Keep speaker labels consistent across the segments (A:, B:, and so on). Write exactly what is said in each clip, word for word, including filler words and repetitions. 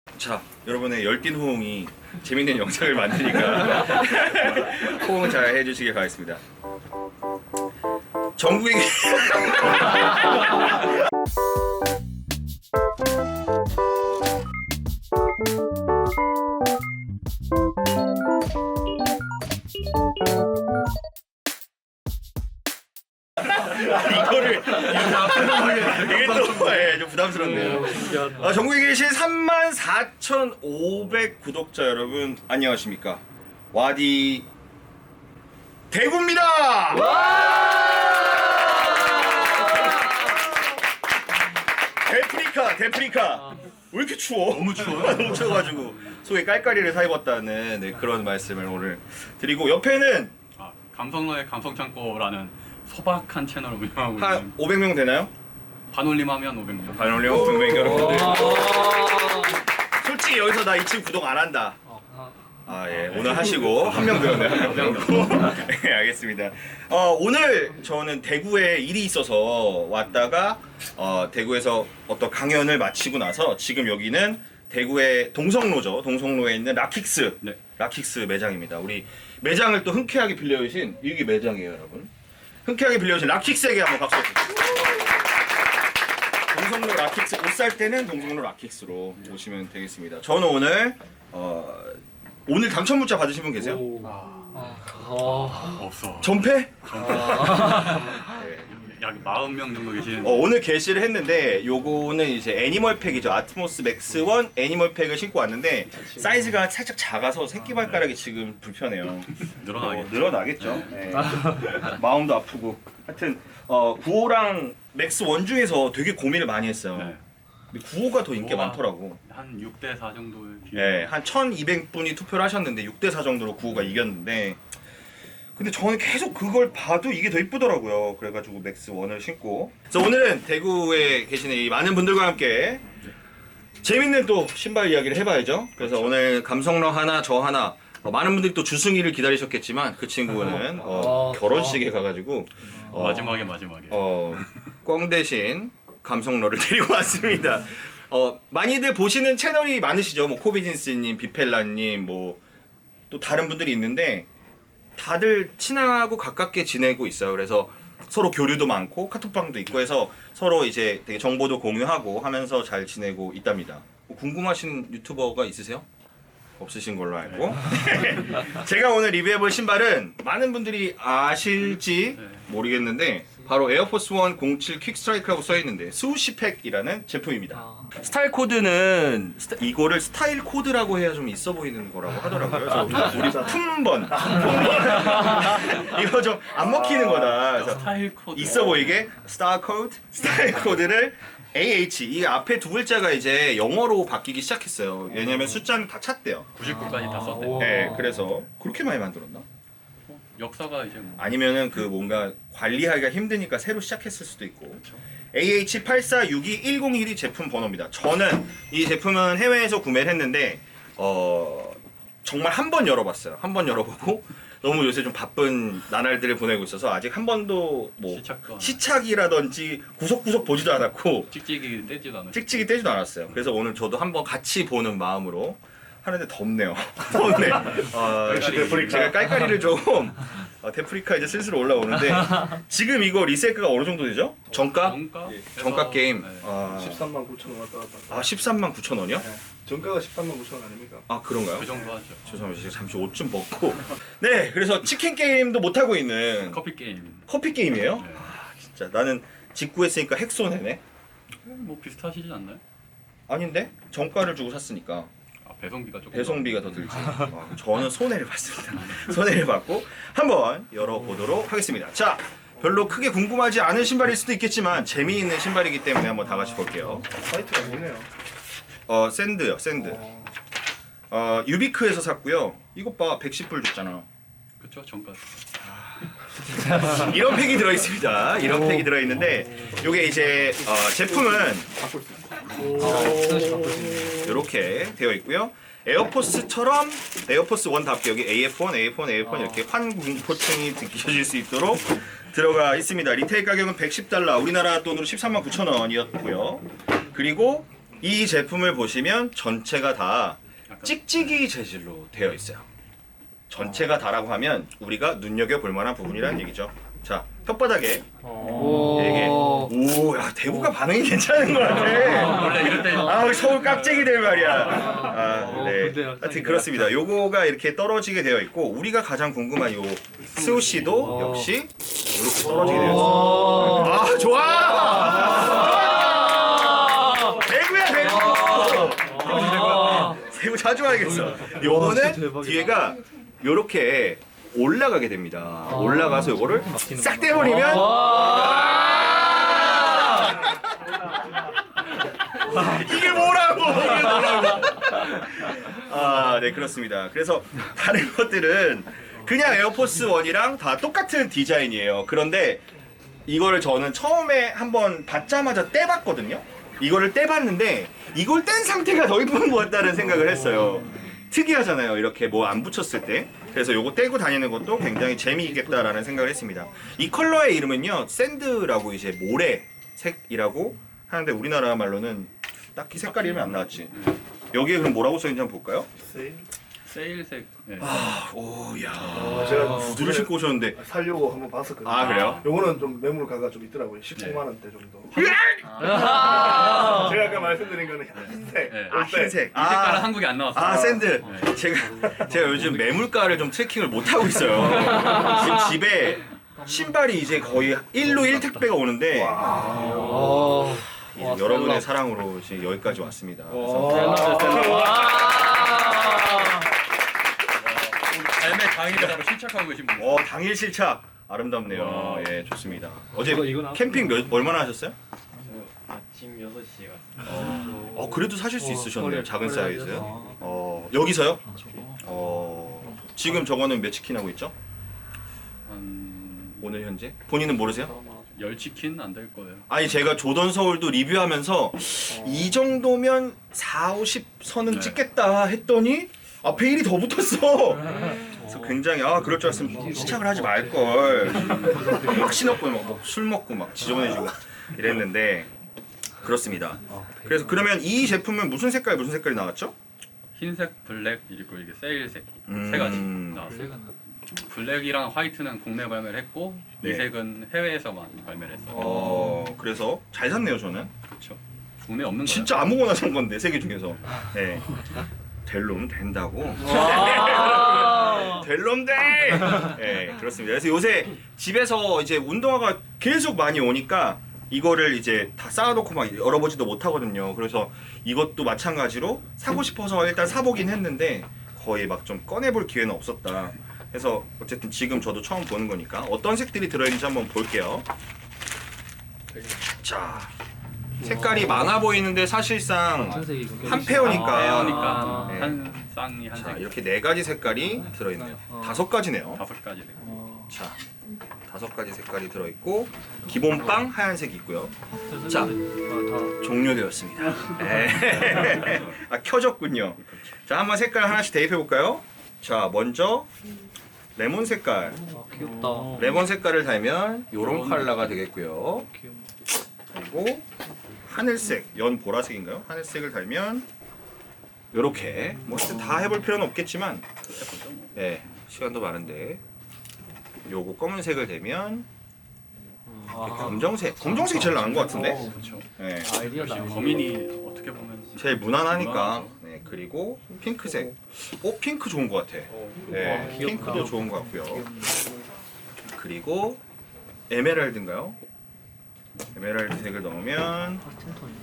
A: 자, 여러분의 열띤 호응이 재밌는 영상을 만드니까 호응 잘 해주시길 바라겠습니다. 전국에 이거를 이게 또 예, 좀 부담스럽네요. 아, 전국에 계신 삼만 사천오백 구독자 여러분 안녕하십니까? 와디 대구입니다. 데프리카 데프리카 왜 이렇게 추워? 너무 추워요. 너무 추워가지고 속에 깔깔이를 사입었다는 네, 그런 말씀을 오늘 드리고 옆에는
B: 아, 감성러의 감성창고라는 소박한 채널을 운영하고
A: 한
B: 있는
A: 오백 명 되나요?
B: 반올림하면 오백 명.
A: 반올림 오백 명 여러분들. 솔직히 여기서 나 이 친구 구독 안 한다. 아, 예. 오늘 하시고 한 명 들었네요. 한 명 들었고. 네, 알겠습니다. 어, 오늘 저는 대구에 일이 있어서 왔다가 어, 대구에서 어떤 강연을 마치고 나서 지금 여기는 대구의 동성로죠. 동성로에 있는 락킥스.
B: 네.
A: 락킥스 매장입니다. 우리 매장을 또 흔쾌하게 빌려주신 이게 매장이에요, 여러분. 흔쾌하게 빌려주신 락킥스에게 한번 박수 부탁드립니다. 동성로 락킥스 옷 살 때는 동성로 락킥스로 오시면 되겠습니다. 저는 오늘 어, 오늘 당첨 문자 받으신 분 계세요?
B: 없어.
A: 전패? 네.
B: 약 사십 명 정도 계시는.
A: 어, 오늘 게시를 했는데 요거는 이제 애니멀 팩이죠. 아트모스 맥스 원 애니멀 팩을 신고 왔는데 사이즈가 살짝 작아서 새끼 발가락이 지금 불편해요.
B: 늘어나겠죠.
A: 어, 늘어나겠죠. 네. 마음도 아프고. 하여튼 어, 구호랑 맥스 원 중에서 되게 고민을 많이 했어요.
B: 네.
A: 근데 구호가 더 인기가
B: 구호가
A: 많더라고.
B: 한 육 대 사 정도의 비율.
A: 네, 한 천이백 분이 투표를 하셨는데 육 대 사 정도로 구호가 이겼는데 근데 저는 계속 그걸 봐도 이게 더 이쁘더라고요. 그래가지고 맥스 원을 신고 그래서 오늘은 대구에 계시는 이 많은 분들과 함께 재밌는 또 신발 이야기를 해봐야죠. 그래서
B: 그렇죠.
A: 오늘 감성러 하나 저 하나 어, 많은 분들이 또 주승이를 기다리셨겠지만 그 친구는 어, 결혼식에 가가지고 어,
B: 마지막에 마지막에.
A: 어, 꽝 대신 감성러를 데리고 왔습니다. 어, 많이들 보시는 채널이 많으시죠. 뭐 코비진스님, 비펠라님, 뭐 또 다른 분들이 있는데 다들 친하고 가깝게 지내고 있어요. 그래서 서로 교류도 많고 카톡방도 있고 해서 서로 이제 되게 정보도 공유하고 하면서 잘 지내고 있답니다. 뭐 궁금하신 유튜버가 있으세요? 없으신 걸로 알고. 제가 오늘 리뷰해볼 신발은 많은 분들이 아실지 모르겠는데 바로 에어포스 원 공칠 퀵스트라이크라고 써있는데 수시팩이라는 제품입니다. 스타일 코드는 스타, 이거를 스타일 코드라고 해야 좀 있어 보이는 거라고 하더라고요. 그래서 우리 품번 이거 좀 안 먹히는 거다. 그래서
B: 스타일 코드.
A: 있어 보이게 스타 코드, 스타일 코드를 에이에이치 이 앞에 두 글자가 이제 영어로 바뀌기 시작했어요. 왜냐면 숫자는 다 찼대요.
B: 구십구까지 다 썼대.
A: 네, 그래서 그렇게 많이 만들었나?
B: 역사가 이제 뭐.
A: 아니면은 그 뭔가 관리하기가 힘드니까 새로 시작했을 수도 있고. 에이에이치 팔사육이일공일이 제품 번호입니다. 저는 이 제품은 해외에서 구매를 했는데 어 정말 한 번 열어봤어요. 한 번 열어보고 너무 요새 좀 바쁜 나날들을 보내고 있어서 아직 한 번도 뭐
B: 시착도 안
A: 시착이라든지 구석구석 보지도 않았고
B: 찍찍이 떼지도 않았죠.
A: 찍찍이 떼지도 않았어요. 그래서 오늘 저도 한번 같이 보는 마음으로 하는데 덥네요. 덥네. 어,
B: 역시
A: 제가, 제가 깔깔이를 좀 어, 데프리카 이제 슬슬 올라오는데 지금 이거 리세이크가 어느 정도 되죠? 정가?
B: 정가?
A: 정가 게임.
B: 네.
A: 아,
C: 십삼만 구천 원 왔다 갔다.
A: 아 십삼만 구천 원이요?
C: 네. 정가가 십삼만 구천 원 아닙니까?
A: 아 그런가요?
B: 그 정도 하죠.
A: 죄송합니다. 제가 잠시 옷 좀 벗고. 네, 그래서 치킨 게임도 못 하고 있는
B: 커피 게임.
A: 커피 게임이에요?
B: 네.
A: 진짜 나는 직구했으니까 핵손해네.
B: 뭐 비슷하시지 않나요?
A: 아닌데 정가를 주고 샀으니까.
B: 아, 배송비가 조금.
A: 배송비가 더 들지. 아, 저는 손해를 봤습니다. 손해를 봤고 한번 열어보도록 하겠습니다. 자, 별로 크게 궁금하지 않은 신발일 수도 있겠지만 재미있는 신발이기 때문에 한번 다 같이 볼게요.
C: 사이트가 있네요.
A: 어, 샌드요, 샌드. 어, 유비크에서 샀고요. 이것 봐, 백십 불 줬잖아.
B: 그쵸, 정가.
A: 이런 팩이 들어있습니다. 이런 팩이 들어있는데 이게 이제 어, 제품은 이렇게 되어 있고요. 에어포스처럼 에어포스 원답게 여기 에이에프 원, 에이에프 원, 에이에프 원 이렇게 환공포층이 느껴질 수 있도록 들어가 있습니다. 리테일 가격은 백십 달러, 우리나라 돈으로 십삼만 구천 원이었고요. 그리고 이 제품을 보시면 전체가 다
B: 약간-
A: 찍찍이 재질로 되어 있어요. 전체가 다라고 하면 우리가 눈여겨볼 만한 부분이라는 얘기죠. 자, 혓바닥에
D: 오.
A: 이게 오, 야 대구가 반응이 괜찮은 것 같아.
B: 원래 이럴 때
A: 아, 서울 깍쟁이들 말이야. 아,
D: 어,
A: 네.
D: 근데
A: 하여튼 그렇습니다. 요거가 이렇게 떨어지게 되어 있고 우리가 가장 궁금한 요 스우시도
D: 어.
A: 역시 이렇게 떨어지게 되어 있어요. 아, 좋아. 대구야, 대구. 대구 자주 와야겠어. 요거는
D: 대박이다.
A: 뒤에가 요렇게 올라가게 됩니다. 올라가서 요거를 싹 떼버리면 이게 뭐라고? 이게 뭐라고? 아, 네 그렇습니다. 그래서 다른 것들은 그냥 에어포스 원이랑 다 똑같은 디자인이에요. 그런데 이거를 저는 처음에 한번 받자마자 떼봤거든요. 이거를 떼봤는데 이걸 뗀 상태가 더 이쁜 것 같다는 생각을 했어요. 특이하잖아요. 이렇게 뭐 안 붙였을 때. 그래서 요거 떼고 다니는 것도 굉장히 재미있겠다라는 생각을 했습니다. 이 컬러의 이름은요, 샌드라고 이제 모래색이라고 하는데 우리나라 말로는 딱히 색깔 이름이 안 나왔지. 여기에 그럼 뭐라고 써있는지 한번 볼까요?
C: 세일?
B: 세일색. 네.
A: 아, 오, 야.
C: 제가
A: 구두를 신고 오셨는데.
C: 살려고 한번 봤었거든요.
A: 아, 그래요?
C: 요거는 좀 매물가가 좀 있더라고요. 십구만 원대 정도.
D: 아.
C: 제가 아까 말씀드린 거는 흰색.
B: 네.
A: 아,
C: 올백.
A: 흰색.
B: 이 색깔은 한국에 안 나왔어요.
A: 아, 샌드.
B: 네.
A: 제가 제가 요즘 매물가를 좀 트래킹을 못 하고 있어요. 지금 집에 신발이 이제 거의 일로 일 택배가 오는데
D: 어.
A: 이제 여러분의 사랑으로 지금 여기까지 왔습니다. 그래서
D: 와.
B: 삶의 강의자로 실착하고 계신 분.
A: 어, 당일 실착 아름답네요.
B: 와.
A: 예, 좋습니다. 어제
D: 이거- 이건
A: 캠핑 몇, 얼마나 하셨어요?
E: 아침 여섯 시에 갔어요.
A: 어, 그래도 사실 수
D: 어,
A: 있으셨네요.
D: 거래-
A: 작은
D: 거래하죠.
A: 사이즈.
D: 아.
A: 어, 여기서요?
D: 아, 저거.
A: 어, 지금 저거는 몇 치킨 하고 있죠?
B: 한
A: 오늘 현재? 본인은 모르세요?
B: 열 치킨 안 될 거예요.
A: 아니 제가 조던 서울도 리뷰하면서 이 정도면 사, 오십 선은
B: 네.
A: 찍겠다 했더니 앞에 일이 더 붙었어. 그래서 굉장히 아 그럴 줄 알았으면 시작을 하지 말걸. 막 신었고 막술 먹고 막 지저분해지고 이랬는데 그렇습니다. 그래서 그러면 이 제품은 무슨 색깔 무슨 색깔이 나왔죠?
B: 흰색, 블랙 그리고 이게 세일색
A: 음.
B: 세 가지 나왔어요. 블랙이랑 화이트는 국내 발매를 했고
A: 네.
B: 이 색은 해외에서만 발매를 했어요.
A: 어 그래서 잘 샀네요 저는.
B: 그렇죠. 국내 없는 거예요.
A: 진짜 아무거나 산 건데 세 개 중에서. 네. 될 놈은 된다고. 될 놈 돼. 네, 그렇습니다. 그래서 요새 집에서 이제 운동화가 계속 많이 오니까 이거를 이제 다 쌓아놓고 막 열어보지도 못하거든요. 그래서 이것도 마찬가지로 사고 싶어서 일단 사보긴 했는데 거의 막 좀 꺼내볼 기회는 없었다. 그래서 어쨌든 지금 저도 처음 보는 거니까 어떤 색들이 들어있는지 한번 볼게요. 자, 색깔이 많아 보이는데 사실상
D: 흰색이군요.
A: 한 페어니까.
B: 페어니까
A: 네.
B: 한 쌍이 한
A: 자,
B: 색.
A: 이렇게 네 가지 색깔이 들어있네요.
D: 어.
A: 다섯 가지네요.
B: 다섯 가지 되고.
D: 어.
A: 자, 다섯 가지 색깔이 들어있고 기본 빵 하얀색이 있고요. 자,
D: 아, 다.
A: 종료되었습니다. 네. 아, 켜졌군요. 자, 한번 색깔 하나씩 대입해 볼까요? 자, 먼저 레몬 색깔.
D: 아, 귀엽다.
A: 레몬 색깔을 달면 요런 컬러가 되겠고요.
D: 귀여워.
A: 그리고 하늘색, 연 보라색인가요? 하늘색을 달면 요렇게 뭐 하여튼 다 해볼 필요는 없겠지만 네, 시간도 많은데 요거 검은색을 대면
D: 아.
A: 검정색, 검정색이 제일 나은 것 같은데?
D: 어,
B: 그렇죠.
A: 네,
D: 아이디어다.
B: 범인이 어떻게 보면
A: 제일 무난하니까.
B: 무난하죠.
A: 네, 그리고 핑크색. 오, 핑크 좋은 것 같아. 네,
D: 와, 귀엽다.
A: 핑크도 좋은 것 같고요. 그리고 에메랄드인가요? 에메랄드 색을 넣으면
D: 파스텐톤.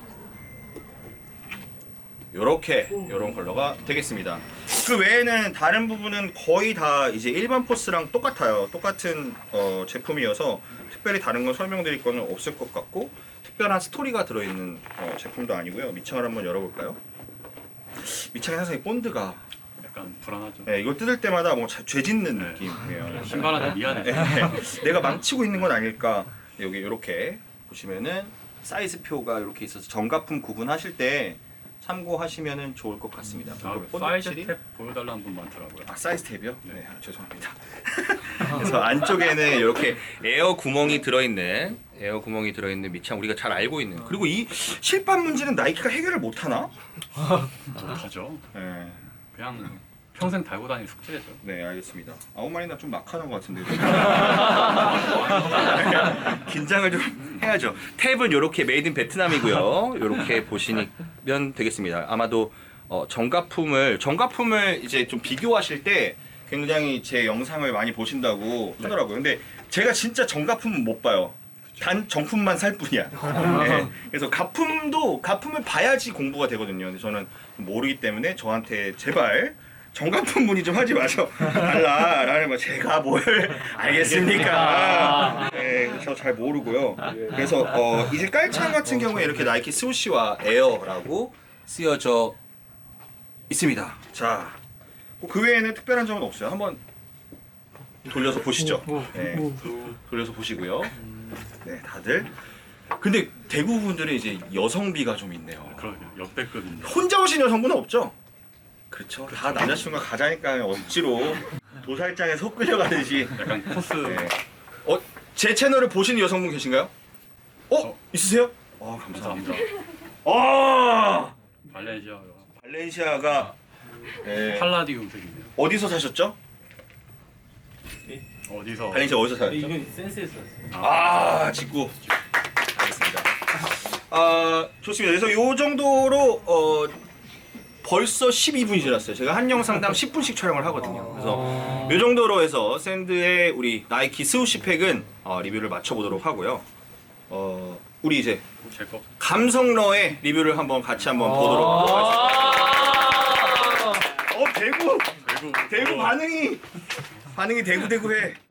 A: 요렇게 요런 컬러가 되겠습니다. 그 외에는 다른 부분은 거의 다 이제 일반 포스랑 똑같아요. 똑같은 어, 제품이어서 특별히 다른 건 설명드릴 거는 없을 것 같고 특별한 스토리가 들어있는 어, 제품도 아니고요. 밑창을 한번 열어볼까요? 밑창에 항상 이 본드가
B: 약간 불안하죠.
A: 네, 이걸 뜯을 때마다 뭐 죄 짓는
B: 네.
A: 느낌이에요.
B: 신발한테 미안해.
A: 네, 내가 망치고 있는 건 아닐까. 여기 이렇게 보시면은 사이즈표가 이렇게 있어서 정가품 구분하실 때 참고하시면 좋을 것 같습니다.
B: 아,
A: 그리고
B: 사이즈
A: 본드칠이-
B: 탭 보여달라는 분 많더라고요.
A: 아 사이즈 탭이요?
B: 네.
A: 네, 아, 죄송합니다. 그래서 안쪽에는 이렇게 에어 구멍이 들어있는 에어 구멍이 들어있는 밑창 우리가 잘 알고 있는. 그리고 이 실밥 문제는 나이키가 해결을 못 하나?
B: 못하죠.
A: 네,
B: 그냥 평생 달고 다닐 숙제죠.
A: 네 알겠습니다. 아홉 마리나 좀 막 하는 것 같은데. 긴장을 좀 해야죠. 탭은 이렇게 메이드 인 베트남이고요. 이렇게 보시면 되겠습니다. 아마도 어, 정가품을 정가품을 이제 좀 비교하실 때 굉장히 제 영상을 많이 보신다고 하더라고요. 근데 제가 진짜 정가품은 못 봐요. 단 정품만 살 뿐이야. 네. 그래서 가품도 가품을 봐야지 공부가 되거든요. 근데 저는 모르기 때문에 저한테 제발 정가품 문의 좀 하지 마셔 달라라는 뭐 제가 뭘 알겠습니까? 네, 저 잘 모르고요. 그래서 어, 이제 깔창 같은 경우에 이렇게 나이키 스우시와 에어라고 쓰여져 있습니다. 자, 그 외에는 특별한 점은 없어요. 한번 돌려서 보시죠. 네, 돌려서 보시고요. 네, 다들. 근데 대구 분들은 이제 여성비가 좀 있네요.
B: 그러게요. 역대급입니다.
A: 혼자 오신 여성분은 없죠? 그렇죠. 다 남자친구가 가자니까 억지로 도살장에 속 끌려가듯이.
B: 약간 코스
A: 네. 어, 제 채널을 보시는 여성분 계신가요? 어?
B: 어.
A: 있으세요? 아, 감사합니다.
B: 감사합니다.
A: 아!
B: 발렌시아가
A: 발렌시아가 네.
B: 팔라디움 색이네요.
A: 어디서 사셨죠?
B: 어디서?
A: 발렌시아 어디서 사셨죠?
E: 이건 센스에서 왔어요.
A: 아, 직구. 알겠습니다. 아, 좋습니다. 그래서 요 정도로 어 벌써 십이 분이 지났어요. 제가 한 영상당 십 분씩 촬영을 하거든요. 그래서 요 정도로 해서 샌드의 우리 나이키 스우시 팩은 어, 리뷰를 마쳐보도록 하고요. 어, 우리 이제
B: 제 거.
A: 감성러의 리뷰를 한번 같이 한번 보도록 하겠습니다. 어, 대구!
B: 대구.
A: 대구 반응이 반응이 대구 대구해.